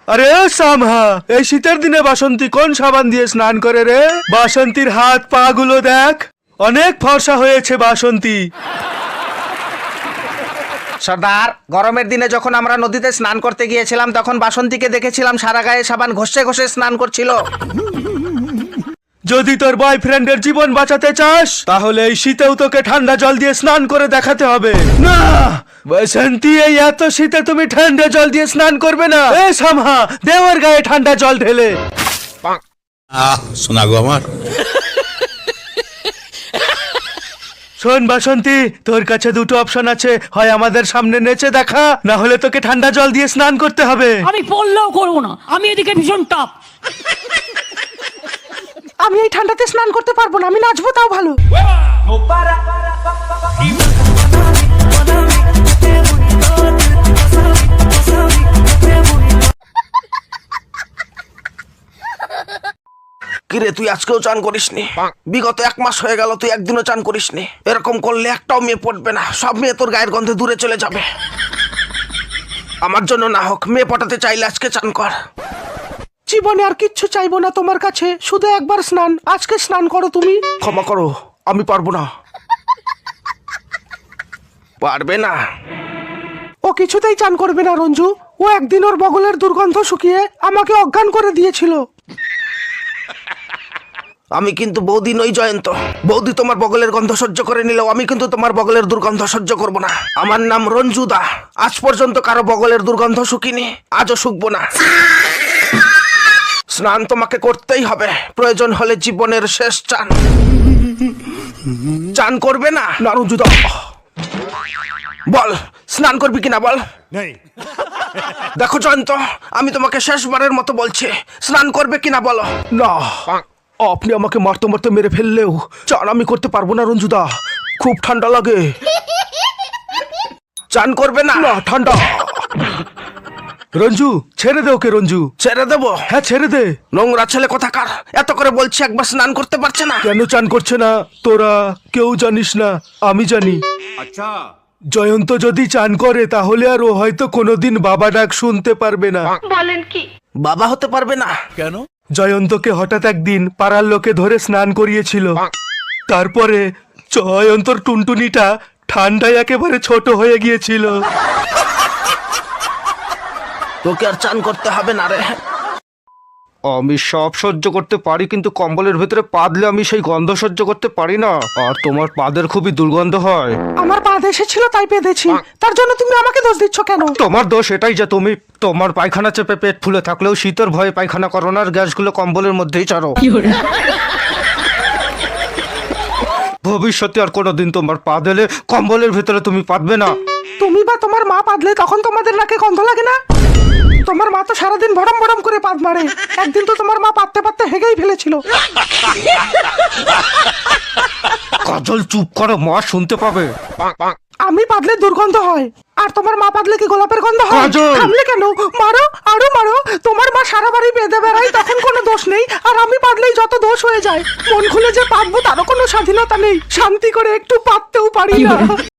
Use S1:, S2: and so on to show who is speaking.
S1: আরে সামহা, এই শীতের দিনে বাসন্তী কোন সাবান দিয়ে স্নান করে রে? বাসন্তীর হাত পা গুলো দেখ, অনেক ফর্সা হয়েছে বাসন্তী।
S2: সর্দার, গরমের দিনে যখন আমরা নদীতে স্নান করতে গিয়েছিলাম তখন বাসন্তীকে দেখেছিলাম সারা গায়ে সাবান ঘষে ঘষে স্নান করছিল।
S1: যদি তোর বয়ফ্রেন্ডের জীবন বাঁচাতে চাস তাহলে এই শীতেও তোকে ঠান্ডা জল দিয়ে স্নান করে দেখাতে হবে। না বসন্তী, এই এত শীতে তুমি ঠান্ডা জল দিয়ে স্নান করবে না। এ সামহা, দেওয়ার গায়ে ঠান্ডা জল ঢেলে।
S3: শোনা গো আমার।
S1: শোন বাসন্তী, তোর কাছে দুটো অপশন আছে, হয় আমাদের সামনে নেচে দেখা, না হলে তোকে ঠান্ডা জল দিয়ে স্নান করতে হবে।
S4: আমি পড়লেও করবো না, আমি এদিকে ভীষণ টাপ।
S5: আমি এই ঠান্ডাতে স্নান করতে পারবো না, আমি নাচবো তাও ভালো।
S2: কিরে, তুই আজকেও চান করিসনি? বিগত 1 মাস হয়ে গেল তুই একদিনও চান করিসনি। এরকম করলে একটাও মেয়ে পড়বে না, সব মেয়ে তোর গায়ের গন্ধে দূরে চলে যাবে। আমার জন্য না হোক, মেয়ে পটাতে চাইলে আজকে চান কর।
S5: জীবনে আর কিচ্ছু চাইবো না তোমার কাছে, শুধু একবার স্নান। আজকে স্নান করো তুমি।
S2: ক্ষমা করো, আমি পারবো না। পারবে না?
S5: ও কিছুতেই চান করবে না রঞ্জু। ও একদিন ওর বগলের দুর্গন্ধ শুকিয়ে আমাকে অজ্ঞান করে দিয়েছিল।
S2: আমি কিন্তু বৌদি নই জয়ন্ত। বৌদি তোমার বগলের গন্ধ সহ্য করে নিলেও আমি কিন্তু তোমার বগলের দুর্গন্ধ সহ্য করব না। আমার নাম রঞ্জুদা। আজ পর্যন্ত কারো বগলের দুর্গন্ধ শুকিনি, আজও শুকবো না। স্নান তোমাকে করতেই হবে, প্রয়োজন হলে জীবনের শেষ চান। চান করবে না? না রঞ্জুদা, বল স্নান করবি কিনা বল। দেখো জয়ন্ত, আমি তোমাকে শেষবারের মতো বলছি, স্নান করবে কিনা বলো।
S1: না, আপনি আমাকে মারতে মারতে মেরে ফেললেও চান আমি করতে পারবো না রঞ্জুদা, খুব ঠান্ডা লাগে।
S2: চান করবে না?
S1: না, ঠান্ডা। রঞ্জু, ছেড়ে দে ওকে। রঞ্জু,
S2: ছেড়ে দেবো?
S1: হ্যাঁ ছেড়ে দে।
S2: নোংরা ছেলে কোথাকার, এত করে বলছি একবার স্নান করতে পারছে না।
S1: কেন চান করছে না তোরা কেউ জানিস না, আমি জানি।
S3: আচ্ছা,
S1: জয়ন্ত যদি চান করে তাহলে আর ও হয়তো কোনোদিন বাবা ডাক শুনতে পারবে না।
S2: বাবা হতে পারবে না?
S3: কেন?
S1: জয়ন্তকে হঠাৎ একদিন পাড়ার লোকে ধরে স্নান করিয়েছিল। তারপরে জয়ন্তর টুনটুনিটা ঠান্ডায় একেবারে ছোট হয়ে গিয়েছিল।
S2: তোকে আর চান করতে হবে না রে।
S1: আমি সব সহ্য করতে পারি, কিন্তু কম্বলের ভেতরে পা দিলে আমি সেই গন্ধ সহ্য করতে পারি না। আর তোমার পাদের খুবই দুর্গন্ধ হয়।
S5: আমার পা এসেছিল তাই পেঁধেছি, তার জন্য তুমি আমাকে দোষ দিচ্ছ কেন?
S1: তোমার দোষ এটাই যে তুমি তোমার পায়খানা চেপে পেট ফুলে থাকলেও শীতের ভয়ে পায়খানা করো না, আর গ্যাসগুলো কম্বলের মধ্যেই ছাড়ো। ভবিষ্যতে আর কোনোদিন তোমার পা দিলে কম্বলের ভেতরে তুমি পাতবে না।
S5: তুমি বা তোমার মা পাদলে তখন তোমাদের নাকে গন্ধ লাগে না? তোমার মা তো সারাদিন ভরম ভরম করে পাদ মারে। একদিন তো তোমার মা পাততে পাততে হেগেই ফেলেছিল।
S1: কাজল চুপ করো, মা শুনতে পাবে।
S5: আমি পাদলে দুর্গন্ধ হয়, আর তোমার মা পাদলে কি গোলাপের গন্ধ হয়?
S1: কাজল!
S5: থামলে কেন? মারো, আরো মারো। তোমার মা সারা বাড়ি বেঁধে বেড়ায়, তখন কোনো দোষ নেই, আর আমি পাদলেই যত দোষ হয়ে যায়। মন খুলে যে পাতবো তারও কোনো স্বাধীনতা নেই, শান্তি করে একটু পাততেও পারি না।